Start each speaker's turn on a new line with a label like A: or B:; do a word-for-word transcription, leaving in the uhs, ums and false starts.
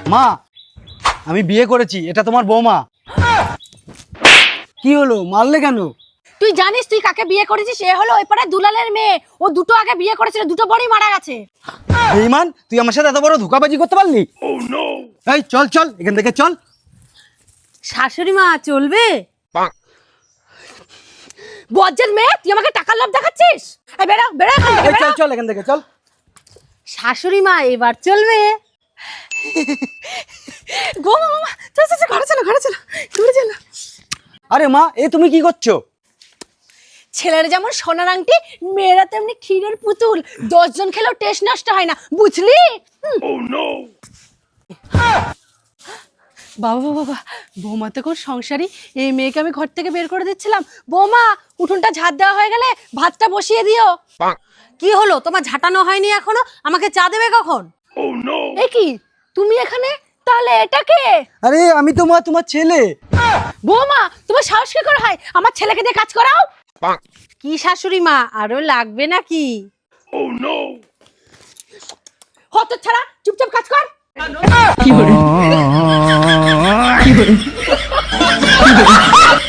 A: মা আমি বিয়ে করেছি, এটা তোমার বৌমা। কি হলো, মারলে কেন?
B: তুই জানিস তুই কাকে বিয়ে করেছিস? সে হলো ওই পাড়ায় দুলালের মেয়ে। ও দুটো আগে বিয়ে করেছিল, দুটো বড়ই মারা গেছে।
A: বেঈমান, তুই আমার সাথে এত বড় ধোঁকাবাজি করতে পারলি? এই চল চল এখান থেকে চল।
B: শাশুড়ি মা চলবে? বজ্জাত মেয়ে, তুই আমাকে টাকার লোভ দেখাচ্ছিস? এই বেরো বেরো এখান থেকে,
A: এই চল
B: বেরো।
A: চল এখান থেকে চল।
B: শাশুড়ি মা এবার চলবে? গো মামা, চল চল চল, ঘরে চলো ঘরে চলো ঘরে চলো।
A: আরে মা, এ তুমি কি করছো?
B: ছেলের যেমন সোনার আংটি, মেয়েরা তেমনি ক্ষীরের পুতুল। দশজন খেলেও টেস্ট নষ্ট হয় না, বুঝলি? বাবা বাবা বাবা, বৌমা তো কোন সংসারী। এই মেয়েকে আমি ঘর থেকে বের করে দিচ্ছিলাম। বৌমা, উঠোনটা ঝাড় দেওয়া হয়ে গেলে ভাতটা বসিয়ে দিও। কি হলো, তোমার ঝাঁটানো হয়নি এখনো? আমাকে চা দেবে কখন? এ কি, তুমি এখানে? তাহলে এটা কে?
A: আরে আমি তো মা তোমার ছেলে।
B: বৌমা, তোমার সাহস কি করে হয় আমার ছেলেকে দিয়ে কাজ করাও? কি শাশুড়ি মা, আরো লাগবে নাকি? হত ছাড়া, চুপচাপ কাজ কর। কি হলো? কি হলো?